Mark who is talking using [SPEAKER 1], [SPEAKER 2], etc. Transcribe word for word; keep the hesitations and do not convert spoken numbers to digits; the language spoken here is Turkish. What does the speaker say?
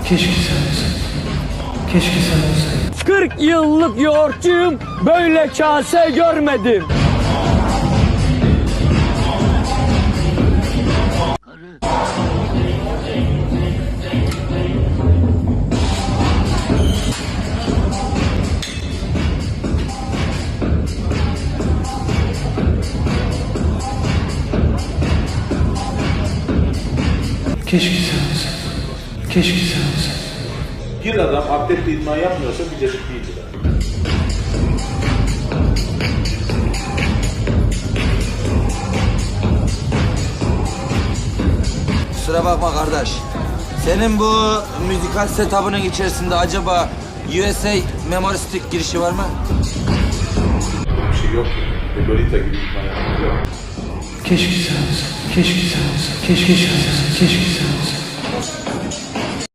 [SPEAKER 1] Keşke sen olsaydın. Keşke sen olsaydın.
[SPEAKER 2] kırk yıllık yoğurtçuyum, böyle kase görmedim.
[SPEAKER 1] Keşke sen olsaydın. Keşke sen olsaydın.
[SPEAKER 3] Bir adam atletle idman yapmıyorsa bir cesur değildir.
[SPEAKER 4] Kusura bakma kardeş. Senin bu müzikal setup'ının içerisinde acaba U S A memory stick girişi var mı?
[SPEAKER 3] Bir şey yok ki. Ve Lolita gibi idman yapmıyor.
[SPEAKER 1] Keşke sen olsaydın. Keşke sen olsaydın. Keşke sen olsaydın. Keşke sen olsaydın.